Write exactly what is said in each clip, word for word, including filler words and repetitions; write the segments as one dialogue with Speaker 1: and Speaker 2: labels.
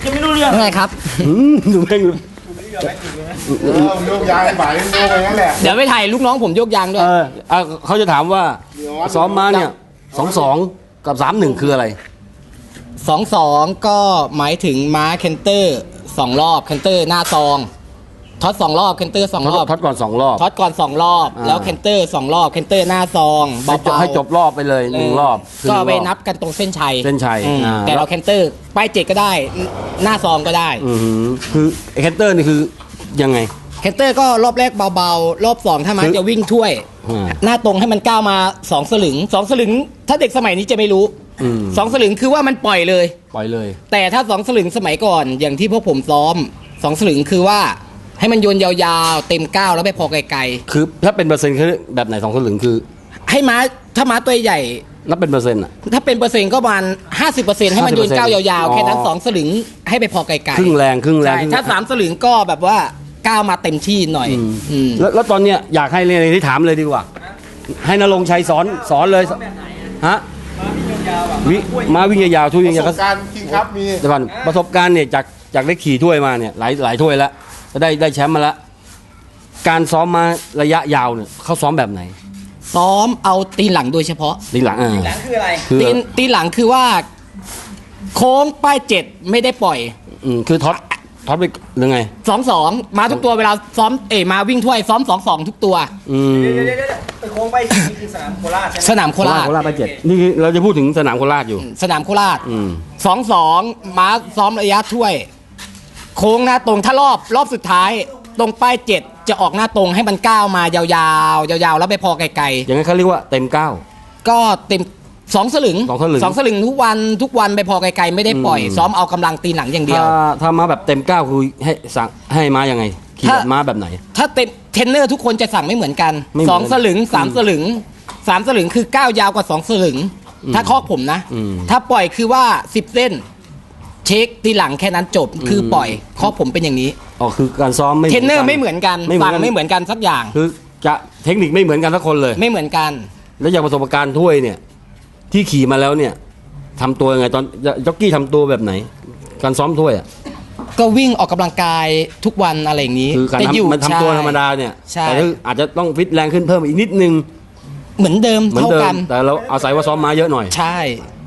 Speaker 1: จะไม่รู้เรื่อง
Speaker 2: ไงครับ
Speaker 3: ดูแม่ง
Speaker 4: โยกยางไปโยกไปงั้นแหละ
Speaker 2: เดี๋ยวไปถ่ายลูกน้องผมโยกยางด้วย
Speaker 3: เออเขาจะถามว่าซ้อมมาเนี่ยสองสองกับสามหนึ่งคืออะไร
Speaker 2: สองสองก็หมายถึงม้าเคนเตอร์สองรอบเคนเตอร์หน้าซองท็อตสองรอบเคนเตอร์สองรอบ
Speaker 3: ท็อตก่อนสองรอบ
Speaker 2: ท็อตก่อนสองรอบแล้วเคนเตอร์สองรอบเคนเตอร์หน้าซอง
Speaker 3: เบาๆให้จบรอบไปเลยหนึ่งรอบ
Speaker 2: ก็ไปนับกันตรงเส้นชัย
Speaker 3: เส้นชัย
Speaker 2: แต่เราเคนเตอร์ป้ายเจ็ดก็ได้หน้าซองก็ได้
Speaker 3: คือเคนเตอร์นี่คือยังไง
Speaker 2: เคนเตอร์ก็รอบแรกเบาๆรอบสองถ้ามันจะวิ่งถ้วยหน้าตรงให้มันก้าวมาสองสลึงสองสลึงถ้าเด็กสมัยนี้จะไม่รู้สองสลึงคือว่ามันปล่อยเลย
Speaker 3: ปล่อยเลย
Speaker 2: แต่ถ้าสองสลึงสมัยก่อนอย่างที่พวกผมซ้อมสองสลึงคือว่าให้มันโยนยาวๆเต็มก้าวแล้วไปพอไกล
Speaker 3: ๆคือถ้าเป็นเปอร์เซ็นต์คือแบบไหนสองสลึงคือ
Speaker 2: ให้ม้าถ้าม้าตัวใหญ่
Speaker 3: นับเป็นเปอร์เซ็นต์อ่ะ
Speaker 2: ถ้าเป็นเปอร์เซ็นต์ก็ประมาณห้าสิบเปอร์เซ็นต์ให้มันโยนก้าวยาวๆแค่นั้นสองสลึงให้ไปพอไกลๆ
Speaker 3: ครึ่งแรงครึ่งแรง
Speaker 2: ถ้าสามสลึงก็แบบว่าก้าวมาเต็มที่หน่อย
Speaker 3: แล้วตอนเนี้ยอยากให้เรียนที่ถามเลยดีกว่าให้นรงค์ชัยสอนสอนเลยฮะวิมาวิ่งยาวๆช่วยวิ่งยาว
Speaker 4: ประสบการณ์จริงครับมี
Speaker 3: เดี๋ยวก่อนประสบการณ์เนี่ยจากจากได้ขี่ถ้วยมาเนี่ยหลายหลายถ้วยแล้วได้ได้แชมป์มาแล้วการซ้อมมาระยะยาวเนี่ยเขาซ้อมแบบไหน
Speaker 2: ซ้อมเอาตีหลังโดยเฉพาะ
Speaker 3: ตีหลังอ่า
Speaker 1: ตีหลังคืออะไร
Speaker 2: ตีตีหลังคือว่าโค้งป้ายเจ็ดไม่ได้ปล่อย
Speaker 3: อืมคือท็อตท็อตไปหรือไง
Speaker 2: สองสองมาทุกตัวเวลาซ้อมเอ๋มาวิ่งถ้วยซ้อมสองสองทุกตัว
Speaker 3: อืม
Speaker 1: เดี๋ยวเดี๋ยวเดี๋ยวไปโค้งป้ายเจ็ดนี่คือสนามโคราชใช่ไหม
Speaker 2: สนามโคราช
Speaker 3: โคราชป้ายเจ็ดนี่เราจะพูดถึงสนามโคราชอยู่
Speaker 2: สนามโคราชสองสองมาซ้อมระยะถ้วยโค้งหน้าตรงถ้ารอบรอบสุดท้ายตรงป้ายเจ็ดจะออกหน้าตรงให้มันก้าวมายาวๆยาวๆแล้วไปพอไกลๆ
Speaker 3: อย่างนั้นเขาเรียกว่าเต็มเก้า
Speaker 2: ก็เต็มสองสลึง
Speaker 3: สองสลึง
Speaker 2: สองสลึงทุกวันทุกวันไปพอไกลๆไม่ได้ปล่อยซ้อมเอากำลังตีหลังอย่างเดียว
Speaker 3: ถ้าถ้ามาแบบเต็มเก้าคือให้สั่งให้มายังไงขี่แบบมาแบบไหน
Speaker 2: ถ้าเต็มเทรนเนอร์ทุกคนจะสั่งไม่เหมือนกันสองสลึงสามสลึงสามสลึงคือก้าวยาวกว่าสองสลึงถ้าข้อผมนะถ้าปล่อยคือว่าสิบเส้นเช็คตีหลังแค่นั้นจบคือปล่อยข้อผมเป็นอย่างนี้
Speaker 3: อ๋อคือการซ้อมไม่
Speaker 2: เทรนเนอร์ไม่เหมือนกันสั่งไม่เหมือนกันสักอย่าง
Speaker 3: คือจะเทคนิคไม่เหมือนกันทุกคนเลย
Speaker 2: ไม่เหมือนกัน
Speaker 3: แล้วอย่างประสบการณ์ถ้วยเนี่ยที่ขี่มาแล้วเนี่ยทำตัวยังไงตอนจ็อกกี้ทำตัวแบบไหนการซ้อมถ้วยอ่ะ
Speaker 2: ก็วิ่งออกกำลังกายทุกวันอะไรอย่างนี้
Speaker 3: คือการมันทำตัวธรรมดาเนี่ยแต่อาจจะต้องฟิตแรงขึ้นเพิ่มอีกนิดนึง
Speaker 2: เหมือนเดิมเท่ากัน
Speaker 3: แต่เราเอาศัยว่าซ้อมมาเยอะหน่อย
Speaker 2: ใช่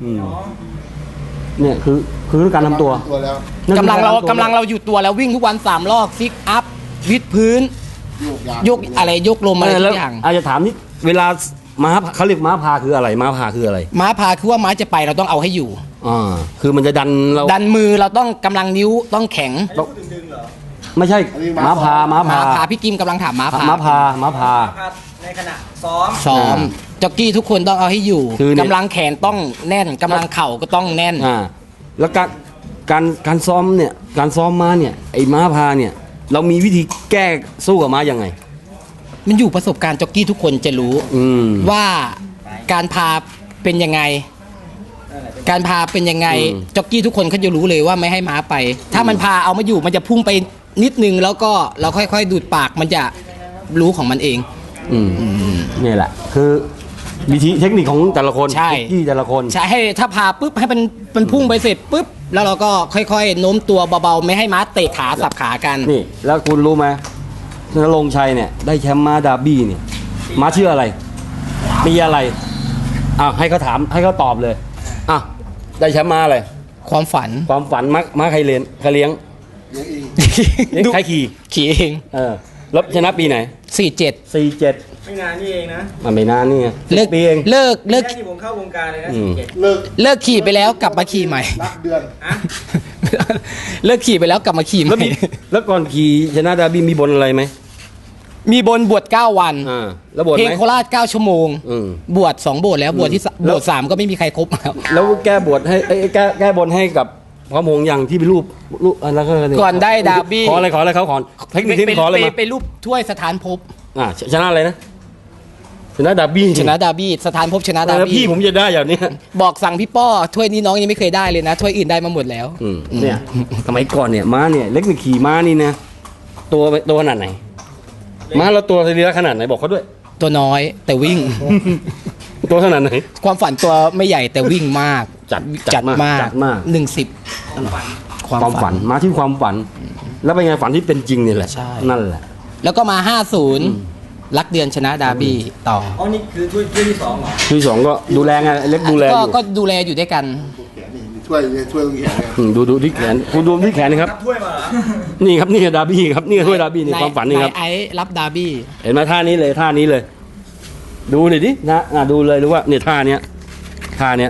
Speaker 3: เนี่ยคือคือการทำตัว
Speaker 2: กำลังเรากำลังเราอยู่ตัวแล้ววิ่งทุกวันสามรอบซิกอัพวิดพื้นยกอะไรยกลมอะไรทุกอย่าง
Speaker 3: อาจจะถามนิดเวลาม้าเขาเรียกม้าพาคืออะไรม้าพาคืออะไร
Speaker 2: ม้าพาคือว่าม้าจะไปเราต้องเอาให้อยู่
Speaker 3: อ่าคือมันจะดันเรา
Speaker 2: ดันมือเราต้องกำลังนิ้วต้องแข็ง
Speaker 3: ไม่ใช่ม้าพาม้าพา
Speaker 2: พาพี่กิมกำลังถามม้าพา
Speaker 3: ม้าพาม้าพา
Speaker 1: ในขณะซ้อม
Speaker 2: ซ้อมจ็อกกี้ทุกคนต้องเอาให้อยู่กำลังแขนต้องแน่นกำลังเข่าก็ต้องแน่น
Speaker 3: อ่าแล้วการการการซ้อมเนี่ยการซ้อมม้าเนี่ยไอ้ม้าพาเนี่ยเรามีวิธีแก้สู้กับม้ายังไง
Speaker 2: มันอยู่ประสบการณ์จ็อกกี้ทุกคนจะรู้ว่าการพาเป็นยังไงการพาเป็นยังไงจ็อกกี้ทุกคนเขาจะรู้เลยว่าไม่ให้ม้าไปถ้ามันพาเอามาอยู่มันจะพุ่งไปนิดนึงแล้วก็เราค่อยๆดูดปากมันจะรู้ของมันเอง
Speaker 3: นี่แหละคือวิธีเทคนิคของแต่ละคน
Speaker 2: ใช่
Speaker 3: ที่แต่ละคน
Speaker 2: ใช่ให้ถ้าพาปุ๊บให้มันมันพุ่งไปเสร็จปุ๊บแล้วเราก็ค่อยๆโน้มตัวเบาๆไม่ให้ม้าเตะขาสับขากัน
Speaker 3: นี่แล้วคุณรู้ไหมนรงค์ชัยเนี่ยได้แชมป์ม้าดาร์บี้เนี่ยม้าชื่ออะไรมีอะไรอ่ะให้เขาถามให้เขาตอบเลยอ่ะได้แชมป์ม้าอะไร
Speaker 2: ความฝัน
Speaker 3: ความฝันม้าม้าใครเลี้ยงใครเลี้ยงเลี้ยงใครขี่
Speaker 2: ขี่เอง
Speaker 3: เออแล้วชนะปีไหน
Speaker 2: สี่เจ็ด
Speaker 3: สี่เจ็ด
Speaker 1: ไม่นานนี่เองนะ
Speaker 3: มันไม่นานนี่
Speaker 2: เลิก
Speaker 3: ปีเอง
Speaker 2: เลิกเลิก
Speaker 1: ที่ผมเข้าวงการเลยนะ
Speaker 2: เลิกเลิกขี่ไปแล้วกลับมาขี่ใหม่
Speaker 4: นับเดือน
Speaker 2: เลิกขี่ไปแล้วกลับมาขี่ใหม่
Speaker 3: แล้วก่อนขี่ชนะดาร์บี้มีบนอะไรไหม
Speaker 2: มีบนบวชเก้าวัน
Speaker 3: แล้วบวช
Speaker 2: เพลงโคราชเก้าชั่วโมงบวชสองบวชแล้วบวชที่บวชสามก็ไม่มีใครครบแล้ว
Speaker 3: แล้วแก้บวชให้แก้แก้บนให้กับพระมงอย่างที่เป็นรูปรูปอะไร
Speaker 2: ก่อนได้ดาร์บี้
Speaker 3: ขออะไรขออะไรเขาขอเทคนิคที่ขออะไรมา
Speaker 2: ไปรูปถ้วยสถานภพ
Speaker 3: อ่าชนะอะไรนะชนะดาร์บี้
Speaker 2: ชนะดาร์บี้สถานภพชนะดาร์บี้
Speaker 3: พี่ผมจะได้อย่างนี้
Speaker 2: บอกสั่งพี่ป้อถ้วยนี้น้องยังไม่เคยได้เลยนะถ้วยอื่นได้มาหมดแล้ว
Speaker 3: เนี่ยสมัยก่อนเนี่ยม้าเนี่ยเล็กนี่ขี่ม้านี่นะตัวตัวขนาดไหนม้าเราตัวเรือขนาดไหนบอกเขาด้วย
Speaker 2: ตัวน้อยแต่วิ่ง
Speaker 3: ตัวขนาดไหน
Speaker 2: ความฝันตัวไม่ใหญ่แต่วิ่งมาก
Speaker 3: จัด
Speaker 2: จัดมาก
Speaker 3: จัดมาก
Speaker 2: หนึ่งสิบความฝัน
Speaker 3: ฝันมาที่ความฝัน แล้วเป็นไงฝันที่เป็นจริงนี่แหละ
Speaker 2: ใช่
Speaker 3: นั่นแหละ
Speaker 2: แล้วก็มา ห้าศูนย์ รักเดือนชนะดาร์บี้ต่อ
Speaker 1: อ๋อนี่คือถ้วยถ้วยที่สองเหรอ
Speaker 3: ที่สองก็ดูแลไงเล็กดูแลอ
Speaker 2: ก็
Speaker 3: ยู่
Speaker 2: ก็ดูแลอยู่ด้วยกัน
Speaker 4: ช่วยช่วยตรงแขนเนี่ย
Speaker 3: อืมดูดูที่แขนคุณดูที่แขนนะครับ
Speaker 1: รับถ้วยมาเหรอ
Speaker 3: นี่ครับนี่คือดาร์บี้ครับนี่คือถ้วยดาร์บี้นี่ความฝันนี่ครับ
Speaker 2: ไอ้รับดาร์บี้
Speaker 3: เห็นไหมท่านี้เลยท่านี้เลย ดูหน่อยดินะอ่ะดูเลยรู้ว่าเนี่ยท่าเนี้ยท่าเนี้ย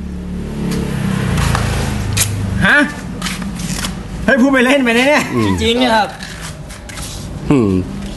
Speaker 1: ฮะให้พูดไปเล่นไปเนี่ย
Speaker 3: อืม
Speaker 1: จริงๆเนี่ยครับ
Speaker 3: อืม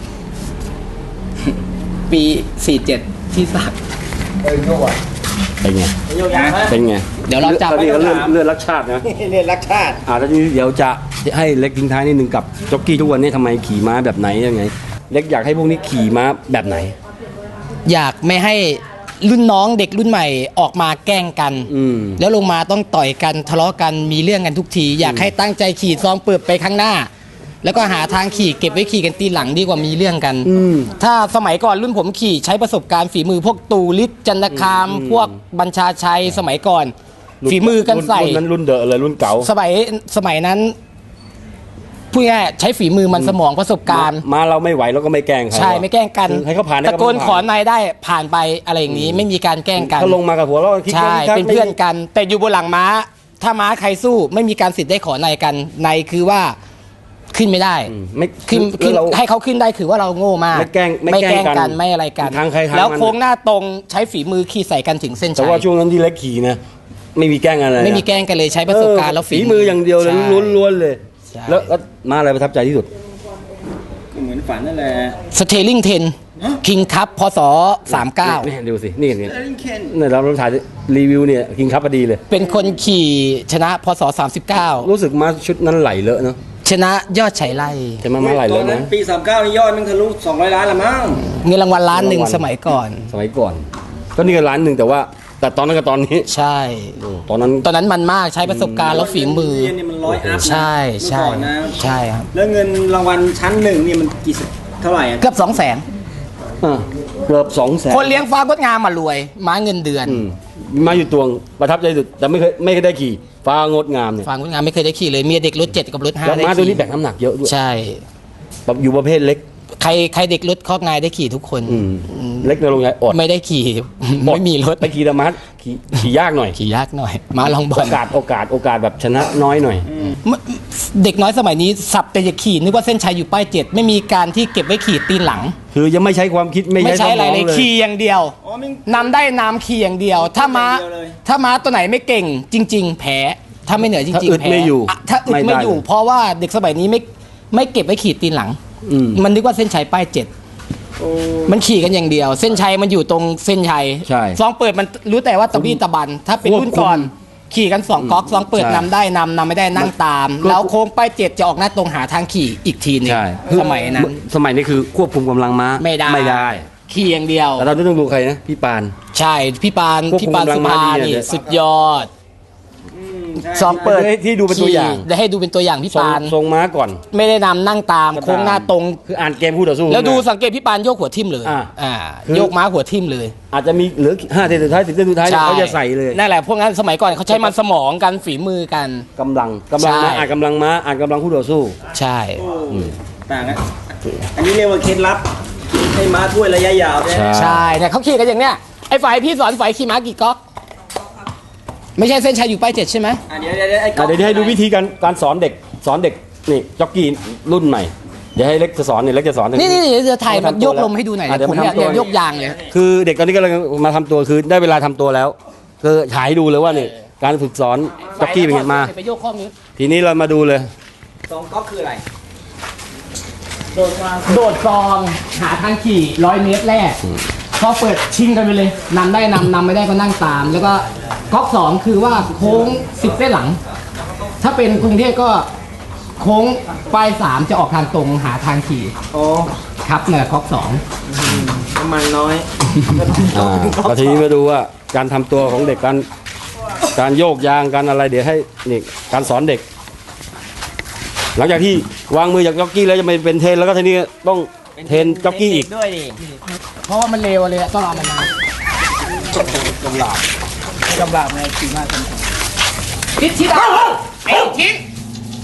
Speaker 2: ปีสี่เจ็ดที่สัก
Speaker 4: เอ้ยโยกอ่ะ
Speaker 3: เป็นไง
Speaker 1: โยกย้ายไหม
Speaker 3: เป็นไง
Speaker 2: เดี๋ยวเราจับ
Speaker 3: ตอนนี้ก็เลื่อนเลื่อนรักชาตินะ
Speaker 1: เรียนรักชาติ
Speaker 3: อ่าแล้วทีนี้เดี๋ยวจะให้เล็กทิ้งท้ายนิดนึงกับจ็อกกี้ทุกวันนี้ทำไมขี่ม้าแบบไหนยังไง เล็กอยากให้พวกนี้ขี่ม้าแบบไหน
Speaker 2: อยากไม่ให้รุ่นน้องเด็กรุ่นใหม่ออกมาแกล้งกัน
Speaker 3: อืม
Speaker 2: แล้วลงมาต้องต่อยกันทะเลาะกันมีเรื่องกันทุกที อยากให้ตั้งใจขี่ซองเปิดไปข้างหน้า แล้วก็หาทางขี่เก็บไว้ขี่กันตีหลังดีกว่ามีเรื่องกัน
Speaker 3: อืม
Speaker 2: ถ้าสมัยก่อนรุ่นผมขี่ใช้ประสบการณ์ฝีมือพวกตูลิศจันทคาม พวกบัญชาชัยสมัยก่อน ฝีมือกันใส่
Speaker 3: รุ่นนั้นรุ่นเดอะเลยรุ่นเก่า
Speaker 2: สมัยสมัยนั้นพูดง่ายๆใช้ฝีมือมันสมองประสบการณ์
Speaker 3: มาเราไม่ไหวเราก็ไม่แกล้งใคร
Speaker 2: ใช่ไม่แกล้งกัน
Speaker 3: คือให้เขาผ่านได้
Speaker 2: ตะโกน
Speaker 3: เขา
Speaker 2: ขอ
Speaker 3: ผ่าน
Speaker 2: นายได้ผ่านไปอะไรอย่างนี้ไม่มีการแกล้งกัน
Speaker 3: เขาลงมากับหัวเราะคิด
Speaker 2: ใช่
Speaker 3: ว่า
Speaker 2: เป็นเพื่อนกัน แต่อยู่บนหลังม้า ถ้าม้าใครสู้ไม่มีการสิทธิ์ได้ขอนายกันในคือว่าขึ้นไม่ได้
Speaker 3: อืมไม่
Speaker 2: ขึ้น
Speaker 3: คือ
Speaker 2: ขึ้น
Speaker 3: เรา
Speaker 2: ให้เขาขึ้นได้คือว่าเราโง่มาก
Speaker 3: ไม่แกล้งไม่
Speaker 2: ไม่
Speaker 3: แก
Speaker 2: แก
Speaker 3: ล้
Speaker 2: ล้
Speaker 3: ง
Speaker 2: ง
Speaker 3: กั
Speaker 2: กัน นไม่อะไรกัน
Speaker 3: ทางใครทางมัน
Speaker 2: แล้วโค้งหน้าตรงใช้ฝีมือขี่ใส่กันถึงเส้น
Speaker 3: แต่
Speaker 2: ชัย
Speaker 3: ว่าช่วงนั้นที่เล็กขี่นะไม่มีแกล้งอะไรนะ
Speaker 2: ไม่มีแกล้งกันเลยใช้ประสบการณ์แล้ว
Speaker 3: ฝีมืออย่างเดียวเลย
Speaker 2: ใช่
Speaker 3: ล้วนๆเลย
Speaker 2: ใช่
Speaker 3: แล้วแล้วมาอะไรประทับใจที่สุด
Speaker 1: ก็เหมือนฝันนั่นแหละ
Speaker 2: สเตลลิงเทนคิงคัพพศสามเก้า
Speaker 3: นี่ดูสินี่นี่
Speaker 1: เอลิงเคน
Speaker 3: เนี่ยเราถ่ายรีวิวเนี่ยคิงคัพพอดีเลย
Speaker 2: เป็นคนขี่ชนะพศสามสิบเก้า
Speaker 3: รู้สึกมาชุดนั้นไหลเลอะเนาะ
Speaker 2: ชนะยอดไฉไล่
Speaker 3: ใช่ไหมมาไหล
Speaker 1: ต
Speaker 3: เล
Speaker 1: อน
Speaker 3: อะ
Speaker 1: นั้น
Speaker 3: นะ
Speaker 1: ปีสามเก้านี่ยอดมันทะลุสองร้อยล้านละมั้ง
Speaker 2: เงินรางวัลล้านหนึ่ง
Speaker 3: เงินรางวัล
Speaker 2: สมัยก่อน
Speaker 3: สมัยก่อน ก็นี่ก็ร้านหนึ่งแต่ว่า แต่ตอนนั้นกับตอนนี้
Speaker 2: ใช่
Speaker 3: ตอนนั้น
Speaker 2: ตอนนั้นมันมากใช้ประสบการณ์แล้วฝีมือ
Speaker 1: เรียนนี่มันร้อยอัพนะ
Speaker 2: ใช่ใช่
Speaker 1: เมื่อก่อนนะ
Speaker 2: ใช่ครับ
Speaker 1: แล้วเงินรางวัลชั้นหนึ่งนี่มันกี่สิบเท่าไหร่อะ
Speaker 2: เกือบสองแสน
Speaker 3: อ่ะเกือบสองแสน
Speaker 2: คนเลี้ยงฟ้างดงามมารวย ม้าเงินเดือน
Speaker 3: อืมมาอยู่ตวงประทับใจสุดแต่ไม่เคยไม่เคยได้ขี่ฟ้างดงามเนี่ย
Speaker 2: ฟ้างดงามไม่เคยได้ขี่เลยเมียเด็กรถเจ็ดกับรถห้า
Speaker 3: แล้ว
Speaker 2: ได้
Speaker 3: ม้าตัว
Speaker 2: ขี่
Speaker 3: นี้แบกน้ำหนักเยอะด้วย
Speaker 2: ใช่
Speaker 3: แบบอยู่ประเภทเล็ก
Speaker 2: ใครใครเด็กรถคอกนายได้ขี่ทุกคน
Speaker 3: อืมเล็กในโรงงานอด
Speaker 2: ไม่ได้ขี่ ไม่มีรถ
Speaker 3: ไปขี่ธรรมะขี่ขี่ยากหน่อย
Speaker 2: ขี่ยากหน่อย ม้าลองบอ
Speaker 3: โอ
Speaker 2: ล
Speaker 3: กาสโอกาสโอกาสแบบชนะน้อยหน่อย
Speaker 2: เด็กน้อยสมัยนี้สับแต่จะขี่นึกว่าเส้นชัยอยู่ป้ายเจ็ดไม่มีการที่เก็บไว้ขี่ตีนหลัง
Speaker 3: คือยังไม่ใช้ความคิดไม่
Speaker 2: ไม่
Speaker 3: ใช้
Speaker 2: ใช้
Speaker 3: ส
Speaker 2: อะไร
Speaker 3: มอง
Speaker 2: เลย
Speaker 3: เลย
Speaker 2: ขี่อย่างเดียว
Speaker 1: อ๋อมัน
Speaker 2: นำได้นำขี่อย่างเดียว ถ้าม้า
Speaker 1: อย่างเดียวเลย
Speaker 2: ถ้าม้าตัวไหนไม่เก่ง จริง ๆ แพ้ถ้าไม่เหนือจ
Speaker 3: ถ้า
Speaker 2: ริง
Speaker 3: อึด
Speaker 2: ๆแพ้
Speaker 3: ไม่อยู่
Speaker 2: ะถ้าอึด
Speaker 3: ไม่ได้
Speaker 2: ไม่อยู่ เพราะว่าเด็กสมัยนี้ไม่ไม่เก็บไว้ขี่ตีนหลัง
Speaker 3: อืม
Speaker 2: มันนึกว่าเส้นชัยป้ายเจ็ด
Speaker 1: โอ้
Speaker 2: มันขี่กันอย่างเดียว เส้นชัยมันอยู่ตรงเส้นชัย
Speaker 3: ใช่
Speaker 2: ซองเปิดมันรู้แต่ว่าตะบี้ตะบัน ถ้าเป็น
Speaker 3: ควบคุม
Speaker 2: รุ่นก่อน ขี่กันสองก๊อกซองเปิด
Speaker 3: ใช่
Speaker 2: นำได้นำนำไม่ได้นั่งตาม
Speaker 3: ก็
Speaker 2: แล้วโค้งป้ายเจ็ดจะออกหน้าตรงหาทางขี่อีกทีหนึง
Speaker 3: ใช่
Speaker 2: สมัยนั้น
Speaker 3: สมัยนี้คือควบคุมกำลังม้า
Speaker 2: ไม่ได้
Speaker 3: ไม่ได้
Speaker 2: ขี่อย่างเดียว
Speaker 3: แต่เราต้องดูใครนะพี่ปาน
Speaker 2: ใช่พี่ปาน
Speaker 3: ควบคุม
Speaker 2: พี่ปาน
Speaker 3: กำลั
Speaker 2: สุ
Speaker 3: งม้า
Speaker 2: ภา
Speaker 3: ดี
Speaker 2: นี่
Speaker 3: เนี่ย
Speaker 2: สุดยอด
Speaker 1: อืมใช่
Speaker 2: ซองเปิด
Speaker 3: ให้ที่ดูเป็นตัวอย่าง
Speaker 2: ขี่ได้ให้ดูเป็นตัวอย่างพี่
Speaker 3: ทรง
Speaker 2: ปาน
Speaker 3: ทรงม้าก่อน
Speaker 2: ไม่ได้นำนั่งตาม
Speaker 3: ก็ตาม
Speaker 2: โค้งหน้าตรง
Speaker 3: คืออ่านเกมคู่ต่อสู้
Speaker 2: แล้วดู
Speaker 3: นะ
Speaker 2: สังเกตพี่ปานโยกหัวทิ่มเลย
Speaker 3: อ่า
Speaker 2: อ่า
Speaker 3: คือ
Speaker 2: โยกม้าหัวทิ่มเลย
Speaker 3: อาจจะมีเหลือห้าเซนสุดท้ายสิบเซนสุดท้ายเนี่ยเขาจะใส่เลย
Speaker 2: นั่นแหละพวกนั้นสมัยก่อนเขาใช้มันสมองกันฝีมือกัน
Speaker 3: กำลังกำลังม้า
Speaker 2: ใช่
Speaker 3: อ่านกำลังม้าอ่านกำลังคู่ต่อสู้
Speaker 2: ใช่
Speaker 1: โอ้ต่างกันอันนี้เรียกว่าเคล็ดลับให้ม้าถ้วยระยะยาวเนี่ย
Speaker 3: ใช่
Speaker 2: ใช่เนี่ยเขาขี่กันอย่างเนี้ยไอ้ฝ่ายพี่สอนฝ่ายขี่ม้ากี่ก๊อกไม่ใช่เส้นชัยอยู่ป้ายเจ็ดใช่ไหม
Speaker 1: อ่ะเดี๋ยวเดี๋ยวเดี๋ยวไอ้ก๊
Speaker 3: อ่ะ
Speaker 1: อก
Speaker 3: เดี๋ยวให้ดูวิธีการการสอนเด็กสอนเด็กนี่จ็อกกี้รุ่นใหม่เดี๋ยวให้เล็กจะสอนเนี่ยเล็กจะสอน
Speaker 2: นี่นี่นี่จะถ่ายมัน
Speaker 3: ทำตัว
Speaker 2: โยกลมให้ดูหน่อย
Speaker 3: อ่ะเดี๋ยว
Speaker 2: ผม
Speaker 3: มา
Speaker 2: อยาก
Speaker 3: ทำตัว
Speaker 2: อยากยกยางเลย
Speaker 3: คือเด็กตอนนี้กำลังมาทำตัวคือได้เวลาทำตัวแล้วคือฉายดูเลยว่านี่การฝึกสอนจ็อกกี้เป็นไงมา
Speaker 2: ไปโยกข้อมือ
Speaker 3: ทีนี้เรามาดูเลย
Speaker 1: สองก๊อกคืออะไร
Speaker 2: โดดมาโดดซองหาทางขี่ร้อยเมตรแรกพอเปิดชิงกันไปเลยนำได้นำนำไม่ได้ก็นั่งตาม แล้วก็ก๊อกสองคือว่าโค้งสิบเส้นหลัง ถ้าเป็นกรุงเทพก็โค้งปลายสามจะออกทางตรงหาทางขี่
Speaker 1: อ๋อ
Speaker 2: ครับเนี่ยก๊อกสอง
Speaker 1: น้ำมันน้อย
Speaker 3: อ่าแล้วทีนี้มาดูว่าการทำตัวของเด็กการการโยกยางการอะไรเดี๋ยวให้นี่การสอนเด็ก หลังจากที่วางมือจากจ็อกกี้แล้วจะไปเป็นเทรนแล้วก็ทีนี้ต้องเทรนจ็อกกี้อีก
Speaker 1: ด้วยดิ
Speaker 2: เพราะว่ามันเร็วเลยอะต้องเอามันนาน
Speaker 1: กำลังไงขี่มากจัง
Speaker 2: ทิศทิศไอ้ทิศ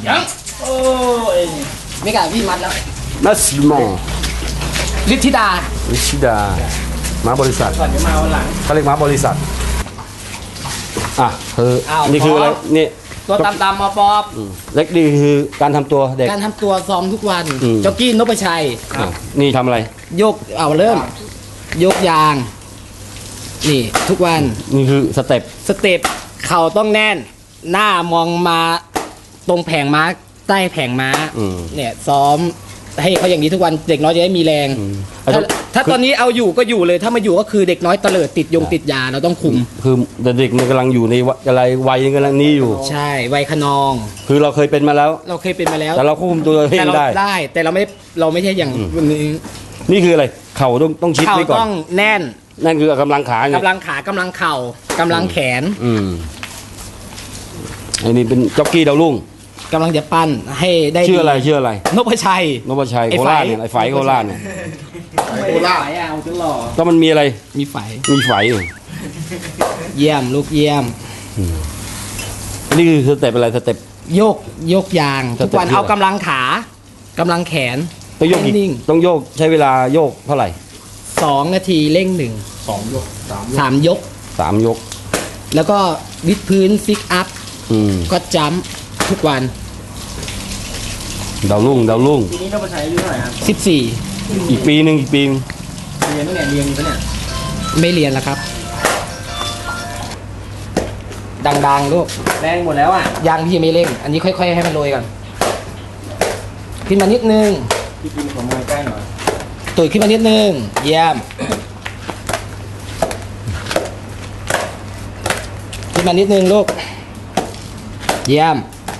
Speaker 2: นี้กับพี่มัดแล้ว
Speaker 3: นัสมอ
Speaker 2: ฤทธิดา
Speaker 3: วิชิดาม้าบริษัท
Speaker 1: ก่อนจะมาวันหลัง
Speaker 3: เขาเรียกม้าบริษัทอ่ะคือ
Speaker 2: อ้าว
Speaker 3: นี่คืออะไรนี่
Speaker 2: ตัวตามตามมาปอบ
Speaker 3: อืมเล็กดีคือการทำตัวเด็ก
Speaker 2: การทำตัวซ้อมทุกวัน
Speaker 3: อืม
Speaker 2: จ็อกกี้นพชัย
Speaker 3: อ่ะนี่ทำอะไร
Speaker 2: โยกเอาเริ่ม โยกยาง นี่ ทุกวัน
Speaker 3: นี่คือสเต็ป
Speaker 2: สเต็ปเข่าต้องแน่น หน้ามองมาตรงแผงม้าใต้แผงม้า
Speaker 3: อืม
Speaker 2: เนี่ยซ้อมให้เขาอย่างนี้ทุกวันเด็กน้อยจะได้มีแรง
Speaker 3: อืม
Speaker 2: ถ้าถ้าตอนนี้เอาอยู่ก็อยู่เลย ถ้ามาอยู่ก็คือเด็กน้อยเตลิดติดยงติดยาเราต้องคุม
Speaker 3: คือเด็กมันกำลังอยู่ในวัยอะไรวัยกำลังนี้อยู่
Speaker 2: ใช่วัยขนอง
Speaker 3: คือเราเคยเป็นมาแล้ว
Speaker 2: เราเคยเป็นมาแล้ว
Speaker 3: แต่เราควบคุมตัวเอ
Speaker 2: แต่
Speaker 3: ง
Speaker 2: เรา
Speaker 3: ได้
Speaker 2: ได้ แต่เราไม่เราไม่ใช่อย่างวันนี้
Speaker 3: นี่คืออะไร เข่าต้องต้องชิด
Speaker 2: เข่า
Speaker 3: ไว้ก่อ
Speaker 2: ต้อน งแน่น
Speaker 3: นั่นคือกำลังขาไง
Speaker 2: กำลังขากำลังเข่ากำลังแขน
Speaker 3: อืมอันนี้เป็นจ็อกกี้ดาวรุ่ง
Speaker 2: กำลังจะปั้นให้ได้
Speaker 3: ชื่ออะไร
Speaker 2: ดี
Speaker 3: ชื่ออะไร
Speaker 2: นพชัย
Speaker 3: นพชัย
Speaker 2: ไอ้
Speaker 3: โค
Speaker 2: ไฝ
Speaker 3: ราชเนี่ยไอ้ไฝโคราชเนี่ย
Speaker 1: ไม่ได้ขายเอาจนหล่อ
Speaker 3: ก็มันมีอะไร
Speaker 2: มีไฝ
Speaker 3: มีไฝอยู่
Speaker 2: เยี่ยมลูกเยี่ยม
Speaker 3: อันนี้คือสเต็ปอะไรสเต็ป
Speaker 2: โยกโยกยาง
Speaker 3: สเต็ป
Speaker 2: ทุกวัน
Speaker 3: เยอะ
Speaker 2: เอากำลังขากำลังแขน
Speaker 3: ต้องโยกกี่
Speaker 2: นิ่ง
Speaker 3: ต้องโยกใช้เวลาโยกเท่าไหร่
Speaker 2: สองนาทีเร่งหนึ่ง
Speaker 4: สองยกสาม
Speaker 2: สามยก
Speaker 3: สามยก
Speaker 2: แล้วก็วิดพื้นซิกอัพ
Speaker 3: อืม
Speaker 2: ก็จัมป์ทุกวัน
Speaker 3: ดาวรุ่งดาวรุ่ง
Speaker 1: ปีนี้ต้องมาใช้อายุเท่าไหร่ครับ
Speaker 2: สิบสี่
Speaker 3: อีกปีหนึ่งอีกปีหนึ่ง
Speaker 1: เรียนตั้งแต่เรียนอยู่ปะเนี่ย
Speaker 2: ไม่เรียนแล้วครับ ดังๆลูก
Speaker 1: แรงหมดแล้วอ่ะ
Speaker 2: ยางพี่ไม่เร่ง อันนี้ค่อยๆให้มันโรยก่อนขึ้นมานิดนึง
Speaker 1: พี่กินของมวยใกล้หน่อย
Speaker 2: ตุ๋ยขึ้นมานิดนึง เยี่ยม ขึ้นมานิดนึงลูก เยี่ยม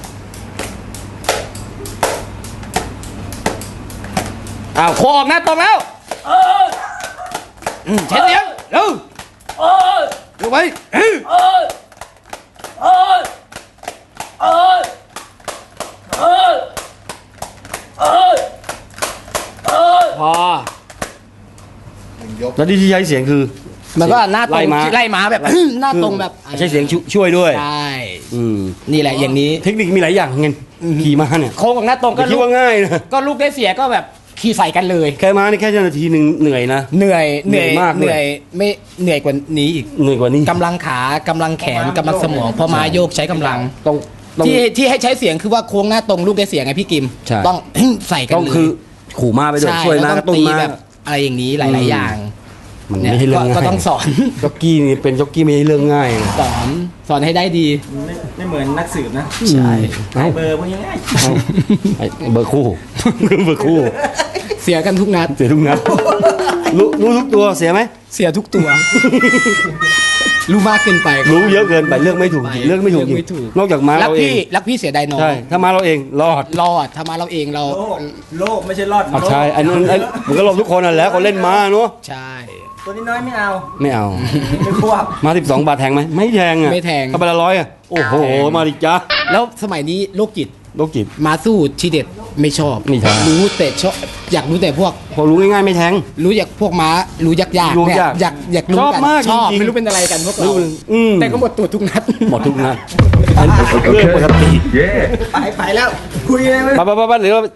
Speaker 2: อ้าวโคออกหน้าตรงแล้วอืมใช้เสียงเร็วเร็วไปอื้อพอ
Speaker 4: ยก
Speaker 3: แล้วที่ใช้เสียงคือ
Speaker 2: มันก็หน้าตรง
Speaker 3: ไล่ม้า
Speaker 2: ไล่ม้าแบบ หน้าตรงแบบ
Speaker 3: ใช้เสียงช่วยช่วยด้วย
Speaker 2: ใช่
Speaker 3: อืม
Speaker 2: นี่แหละอย่างนี้
Speaker 3: เทคนิคมีหลายอย่างเงินขี่ม้าเนี่ย
Speaker 2: โค้งกับหน้าตรง
Speaker 3: อ
Speaker 2: ก็
Speaker 3: ย่าคิด
Speaker 2: ลูก
Speaker 3: ว่าง่ายนะ
Speaker 2: ก็ลูกได้เสียก็แบบขี่ใส่กันเลย
Speaker 3: แค่ม้านี่แค่นาทีหนึ่งเหนื่อยนะ
Speaker 2: เหนื่อย
Speaker 3: เหนื่อยมากด้วย
Speaker 2: เหนื่อยไม่เหนื่อยกว่านี้อีก
Speaker 3: เหนื่อยกว่านี้
Speaker 2: กำลังขากำลังแขนกำลังสมองเพอมาโยกใช้กำลัง
Speaker 3: ต้องต้อง
Speaker 2: ที่ที่ให้ใช้เสียงคือว่าโค้งหน้าตรงลูกได้เสียงไงพี่กิม
Speaker 3: ใช่
Speaker 2: ต้อง ใส่กัน
Speaker 3: ต้อง
Speaker 2: เลย
Speaker 3: คือขู่ม้าไปด้วย
Speaker 2: ใช่
Speaker 3: ช่วย
Speaker 2: แล้ว
Speaker 3: ม้า
Speaker 2: ต้
Speaker 3: ก
Speaker 2: อ
Speaker 3: ระ
Speaker 2: ง
Speaker 3: ตุ้น
Speaker 2: ตี
Speaker 3: ม้า
Speaker 2: แบบอะไรอย่างนี้หลาย
Speaker 3: อื
Speaker 2: ๆ
Speaker 3: ม
Speaker 2: อย่าง
Speaker 3: มัน
Speaker 2: เนี่ย
Speaker 3: ไม่ใช่เรื่
Speaker 2: ก็
Speaker 3: องง่าย
Speaker 2: ก็ต้องสอน
Speaker 3: จ็อกกี้นี่เป็นจ็อกกี้ไม่ใช่เรื่องง่ายนะ
Speaker 2: สอนสอนให้ได้ดี
Speaker 1: ไม่ไม่เหมือนนักสืบนะ
Speaker 2: ใช่
Speaker 3: เอ้า
Speaker 1: เบอร์พวกนี้ง่าย
Speaker 3: ไอ้เบอร์คู่ เบอร์คู่
Speaker 2: เสียกันทุกนัด
Speaker 3: เสียทุกนัดรู้รู้ทุกตัวเสียไหม
Speaker 2: เสียทุกตัว รู้มากเกินไป
Speaker 3: รู้เยอะเกินไปเลือกไม่ถูกจริงเลือกไม่ถูกจริง
Speaker 2: เลือกไม่ถูก
Speaker 3: นอกจากม้า
Speaker 2: รัก
Speaker 3: เราเอ
Speaker 2: พี่
Speaker 3: ง
Speaker 2: รักพี่เสียดายน้อง
Speaker 3: ใช่ถ้าม้าเราเองรอด
Speaker 2: รอดถ้ามาเราเองเรา
Speaker 1: โลกโลกไม่ใช่รอด
Speaker 3: อ่ะใช่อันนั้นอันมันก็ลงทุกคนนั่นแหละคนเล่นม้าเนาะ
Speaker 2: ใช่
Speaker 1: ตัวนี้น้อยไม่เอา
Speaker 3: ไม่เอา
Speaker 1: ไม่ควบ
Speaker 3: มาสิบสองบาทแทงไหมไม่แทงอ่ะ
Speaker 2: ไม่แทง
Speaker 3: ถ้าไปละร้อยอ่ะโอ้โหมาดิจ้า
Speaker 2: แล้วสมัยนี้โรคจิต
Speaker 3: โรคจิต
Speaker 2: มาสู้ทีเด็ดไม่ชอบ
Speaker 3: ไม่ชอบ
Speaker 2: รู้แต่ชอบอยากรู้แต่พวก
Speaker 3: พอรู้ง่ายๆไม่แทง
Speaker 2: รู้อยากพวกม้ารู้ยากยาก
Speaker 3: รู้
Speaker 2: เนี่ย
Speaker 3: ยาก
Speaker 2: อยากอยากรู้
Speaker 3: ชอบ
Speaker 2: กัน
Speaker 3: มาก
Speaker 2: ชอบ
Speaker 3: จริงๆ
Speaker 2: ไม่รู้เป็นอะไรกันพวกเรา
Speaker 3: รู้อืม
Speaker 2: แต่ก็หมดตัวทุกนัด
Speaker 3: หมดทุกนัดอันเรื่องปกติ
Speaker 1: ไปไปแล้ว คุยเลยไหม
Speaker 3: ไปไปไปไปหรือเรา